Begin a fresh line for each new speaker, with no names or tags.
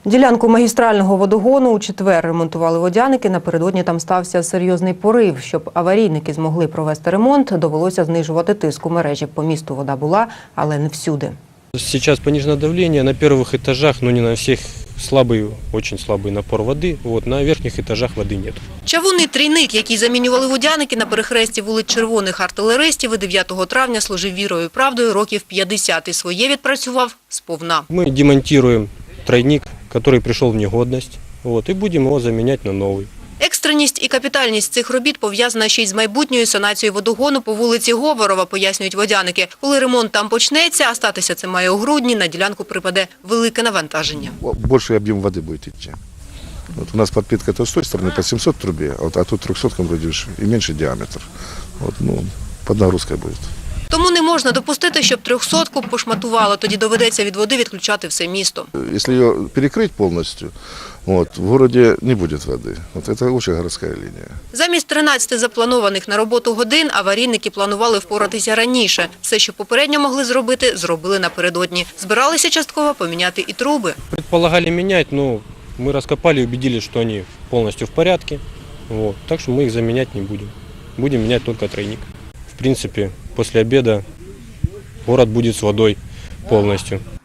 Ділянку магістрального водогону у четвер ремонтували водяники. Напередодні там стався серйозний порив. Щоб аварійники змогли провести ремонт, довелося знижувати тиск у мережі. По місту вода була, але не всюди.
Сейчас понижено давление на первых этажах, но не на всех, слабый, очень слабый напор воды. На верхних этажах воды нет.
Чавунний трійник, який замінювали водяники на перехресті вулиць Червоних артилеристів, 9 травня служив вірою і правдою років 50 і своє відпрацював сповна.
Мы демонтируем тройник, который пришел в негодность, и будем его заменять на новый.
Екстреність і капітальність цих робіт пов'язана ще й з майбутньою санацією водогону по вулиці Говорова, пояснюють водяники. Коли ремонт там почнеться, а статися це має у грудні, на ділянку припаде велике навантаження.
Більший об'єм води буде йти. У нас підпитка з тієї сторони по 700 трубі, а тут 300 вроде і менший діаметр. Під нагрузкою буде.
Тому не можна допустити, щоб 300-ку пошматувало, тоді доведеться від води відключати все місто.
Якщо її перекрити повністю, в місті не буде води. Це дуже городська лінія.
Замість 13 запланованих на роботу годин аварійники планували впоратися раніше. Все, що попередньо могли зробити, зробили напередодні. Збиралися частково поміняти і труби.
Предполагали менять, но мы раскопали и убедились, что они полностью в порядке. Так что мы их заменять не будем. Будем менять только тройник. В принципе, после обеда город будет с водой полностью.